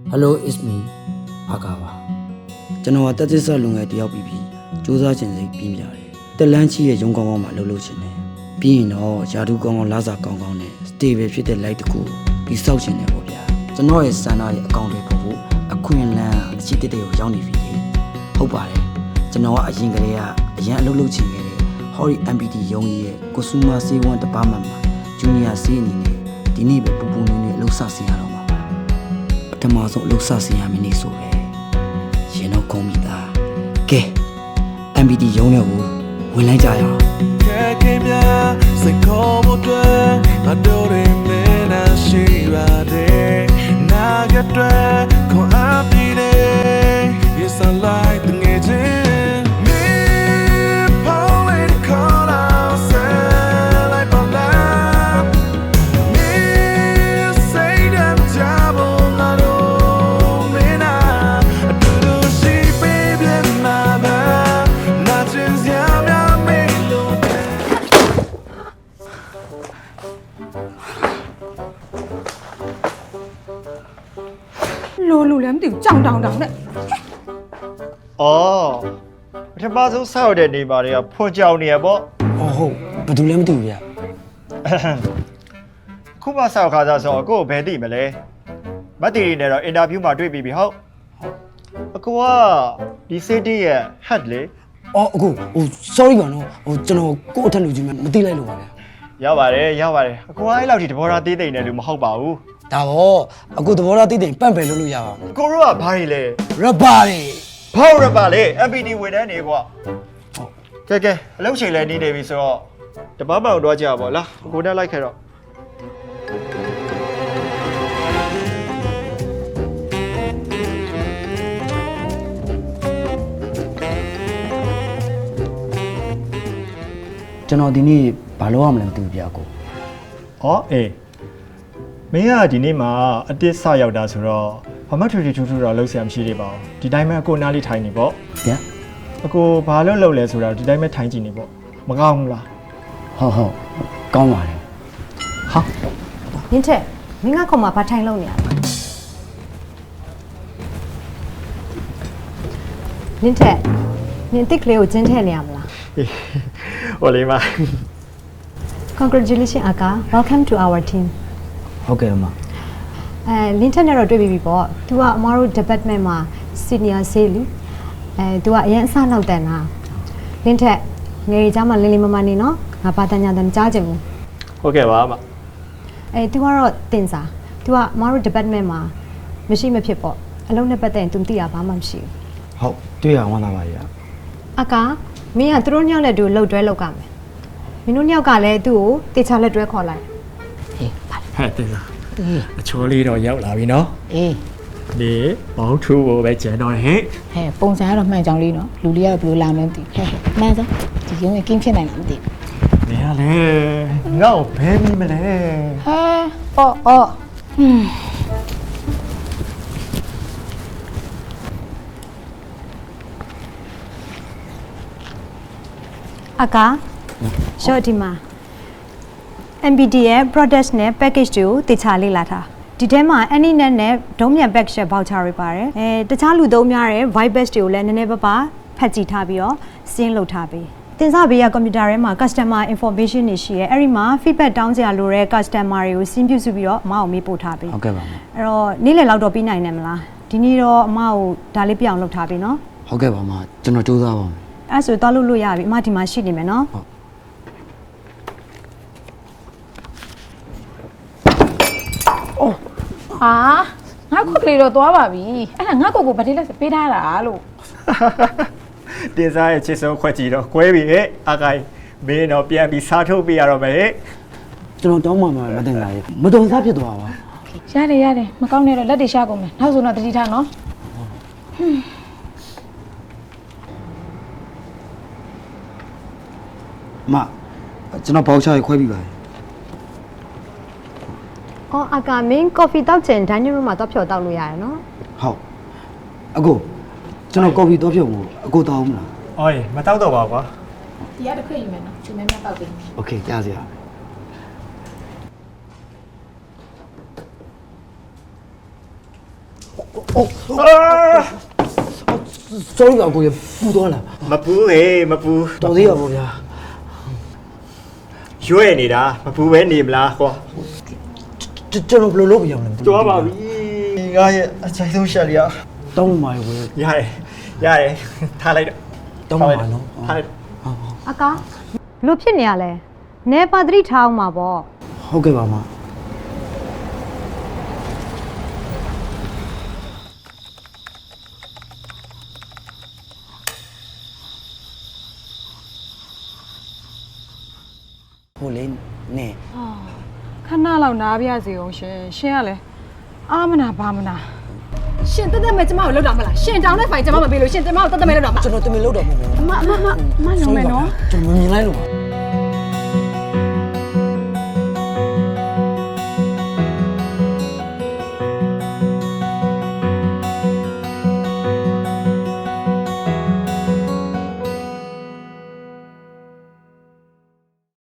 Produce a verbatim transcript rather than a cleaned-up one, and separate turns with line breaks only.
Hello, it's me, Agawa. ကျွန်တော်တက်သစ်ဆက်လုံငယ်တယောက်ပြီးပြီးစူးစမ်းခြင်းစိတ်ပြင်းပြတယ်။တက်လန်းချီရဲ့ရုံကောင်းကောင်းမှာလှုပ်လှုပ်ခြင်းတယ်။ပြီးရင်တော့ယာဒူကောင်းကောင်းလာစာကောင်းကောင်းနဲ့ stable ဖြစ်တဲ့ light တကူပြီးစောက်ခြင်းတယ်ပေါ့ဗျာ။ကျွန်တော်ရဲ့စံနာရဲ့အကောင့်တွေပို့ဖို့အခွင့်အလမ်းအချစ်တက်တွေကိုရောက်နေပြီလေ။ဟုတ်ပါတယ်။ကျွန်တော်ကအရင်ကလေးကအရင်အလုပ်လုပ်ချင်ခဲ့တဲ့ Hori အမ် ပီ တီ ရုံးကြီးရဲ့ Consumer Sales One Department မှာ Junior Sales အနေနဲ့ဒီနေ့ပဲပူပူနေနေအလုပ်စဆင်ရတော့မှာပါ။ပထမဆုံးအလုပ်စဆင်ရမင်းနေဆိုပဲ။ရင်တော့ခုံးမိသား။ကဲ အမ် ပီ တီ ရုံးတွေကိုဝင်လိုက်ကြရအောင်။
ကဲကဲမြစိတ်ခေါ်ဖို့အတွက်ငါတို့တွေမင်းနဲ့ရှိပါတယ်နာကတွေခွန်အားပြီးတယ် Yes I like the ngejin me falling call out say like a lamb me say them trouble I don't mean I do do she baby mama nothing yeah me look
လိုလိုလည်းမသိဘူးကြောင်တောင်တောင်နဲ့
။အော်ပထမဆုံးဆောက်တဲ့နေပါတွေကဖွန်ကြောင်နေရပေါ့
။အော်ဟုတ်ဘယ်သူလဲမသိဘူးဗျ။
။ခုမှဆောက်ခါစားဆိုအကိုဘယ်သိမလဲ။မတ်တီရီနဲ့တော့အင်တာဗျူးမှာတွေ့ပြီးပြီဟုတ်။အကိုကဒီ city ရဲ့ head လေ
အော်အခုဟို sorry ပါနော်ဟိုကျွန်တော်ကိုယ့်အထက်လူကြီးမှမသိလိုက်လို့ပါဗျာ
။ရောက်ပါတယ်ရောက်ပါတယ်။အကိုကအဲ့လောက်ထိတဘောထားသေးသိမ့်နေလို့မဟုတ်ပါဘူး
။ဒါပေါ့အခုသဘောထားသိတဲ့ပန့်ပယ်လို့လို့ရပါမယ်
။ကိုတို့ကဘာတွေလဲ
။ rubber တွေ
။ဘောက်ရပါလေ အမ် ပီ တီ ဝင်တန်းနေကွာ။ကဲကဲအလုပ်ချိန်လည်းနေနေပြီဆိုတော့တပတ်မှောင်တော့ကြပါလား။အကိုတက်လိုက်ခဲ့တော့
ကျွန်တော်ဒီနေ့ဘာလုပ်ရမလဲမသိဘူးဗျာကို
။အော်အေးမင်းကဒီနေ့မှာအတစ်စရောက်တာဆိုတော့ဘာမှထွေထွေထူးထူးတော့လှုပ်ရှားမရှိသေးပါဘူး။ဒီတိုင်းပဲအကိုနားလေးထိုင်နေပေါ့
ဗျာ
။အကိုဘာလို့လှုပ်လဲဆိုတော့ဒီတိုင်းပဲထိုင်ကြည့်နေပေါ့။မကောင်းဘူးလား
ဟုတ်ဟုတ်ကောင်းပါတယ်
။ဟာ
နင်းထက်မင်းကခုံမှာဘာထိုင်လုံးနေရလဲနင်းထက်နင်းတစ်ကလေးကိုကျင်းထည့်နေရမလား
ဟိုလေးမ
Congratulations အကာ Welcome to our team
ဟုတ်ကဲ့အမ
အဲလင်းထက်နဲ့တော့တွေ့ပြီပေါ့ तू ကအမားတို့ department မှာ senior sales လीအဲ तू ကအရင်အစနောက်တန်တာလင်းထက်ငယ်ကြီးမှလင်းလေးမမနေနော်ငါပါတညာတန်ကြားချင်ဘူး
ဟုတ်ကဲ့ပါအမ
အဲ तू ကတော့တင်စား तू ကအမားတို့ department မှာမရှိမဖြစ်ပေါ့အလုံးနဲ့ပတ်သက်ရင် तू မသိတာဘာမှမရှိဘူး
ဟုတ်တွေ့ရဝမ်းသာပါရဲ့
အကာမင်းကသူတို့ညောက်လက်တူလှုပ်တွဲလောက်ကမယ်မင်းတို့ညောက်ကလည်းသူ့ကိုတေချာလက်တွဲခေါ်လိုက်
ဟေးပါ
ဟဲ့တင်လား
အေး
အချောလေးတော့ရောက်လာပြီနော်
အေး
ဒီဘောင်းထူဖို့ပဲကျန်တော့ဟဲ့
ဟဲ့ပုံစံကတော့မှန်ကြောင်လေးနော်လူလေးကတော့ဘယ်လိုလာမလဲမသိဘူးဟဲ့မှန်စမ်းဒီရုံးကကင်းဖြစ်နိုင်လားမသိဘူး
နေရလေငါ့ကိုဘဲပြီးမလဲ
ဟဲအော်အော်ဟွန်း
အကာရှော့ဒီမှာ အမ် ပီ တီ ရဲ့ product နဲ့ package တွေကိုတေချာလေ့လာထားဒီထဲမှာ Anynet နဲ့ဒုံးမြန် package voucher တွေပါတယ်အဲတခြားလူသုံးများတဲ့ Vibes တွေကိုလည်းနည်းနည်းပါးပါးဖတ်ကြည့်ထားပြီးတော့စင်းလုပ်ထားပေးတင်စားဘေးကကွန်ပျူတာထဲမှာ customer information တွေရှိရဲအဲ့ဒီမှာ feedback တောင်းကြရလိုတဲ့ customer တွေကိုစင်းပြုစုပြီးတော့အမအောင်မေးပို့ထားပေး
ဟုတ်ကဲ့ပါမ
အဲ့တော့နေ့လည်လောက်တော့ပြီးနိုင်တယ်မလားဒီနေ့တော့အမကိုဒါလေးပြအောင်လုပ်ထားပြီနော်
ဟုတ်ကဲ့ပါမကျွန်တော်စူးစမ်းပါမယ်
အဲ့ဆိုတော့လုပ်လို့ရပြီအမဒီမှာရှိနေမယ်နော်
ဟာငါခုတ်ကလေးတော့သွားပါပြီအဲ့ဒါငါကိုကိုဗတိလက်ပေးထားတာလို့
တင်စားရဲ့ချစ်ဆုံးခွက်ကြီးတော့ကွဲပြီဟဲ့အကိုင်မင်းတော့ပြန်ပြီးစားထုတ်ပြရတော့မယ်ဟဲ့
ကျွန်တော်တောင်းမှမှာမတင်လာရဲ့မတော်စားဖြစ်သွားပါ
ရတယ်ရတယ်မကောင်းနဲ့တော့လက်တွေရှာကုန်မယ်နောက်ဆိုတော့တတိထားနော်
အမကျွန်တော်ဘောက်ချရခွဲပြီးပါတယ်
အော်အကာမင်း coffee တောက်ချင် dining room မှာတော့ဖြော်တောက်လို့ရတယ်နော်
ဟုတ်အကိုကျွန်တော်ကော်ဖီတော့ဖြုတ်ဖို့အကိုတောင်းမလား
အော်မတောက်တော့ပါကွာ
ဒီကတစ်ခွေယူမယ်နော်ချူမဲမဲတောက်ပေး
โอเคကြားစရာ
ဟ
sorry ပါကိုရပူသွားလား
မပူဟေးမပူ
တော်သေးရပါဗျာ
ရွေ့နေတာမပူပဲနေမလားကွာ
ကျွန်တော်ဘယ်လိုလုပ်ပြရမလဲ
တော်ပါပြီငါရဲ့အချိုင်ဆုံးရှက်လျာ
တောင်းပါရွယ်
ရတယ်ရတယ်ထားလိုက်တော့
တောင်းပါနော်
ထားလိုက်
အကားဘလို့ဖြစ်နေရလဲနေပါတိထားအောင်ပါပေါ့
ဟုတ်ကဲ့ပါမဟိုလေနဲ
ခဏလောက်နားပြစီအောင်ရှင်ရှင်ကလည်းအာမနာဘာမနာ
ရှင်တက်တက်မဲ့ကျမကိုလောက်တာမလားရှင်တောင်းတဲ့ဖိုင်ကျမမပေးလို့ရှင်ကျမကိုတက်တက်မဲ့လောက်တာမ
ကျွန်တော်တမင်လောက်တော့မဟုတ်ဘူး
အမအမအမအမလုံးမယ်နော်
ကျွန်တော်မြင်လိုက်လို့ပါ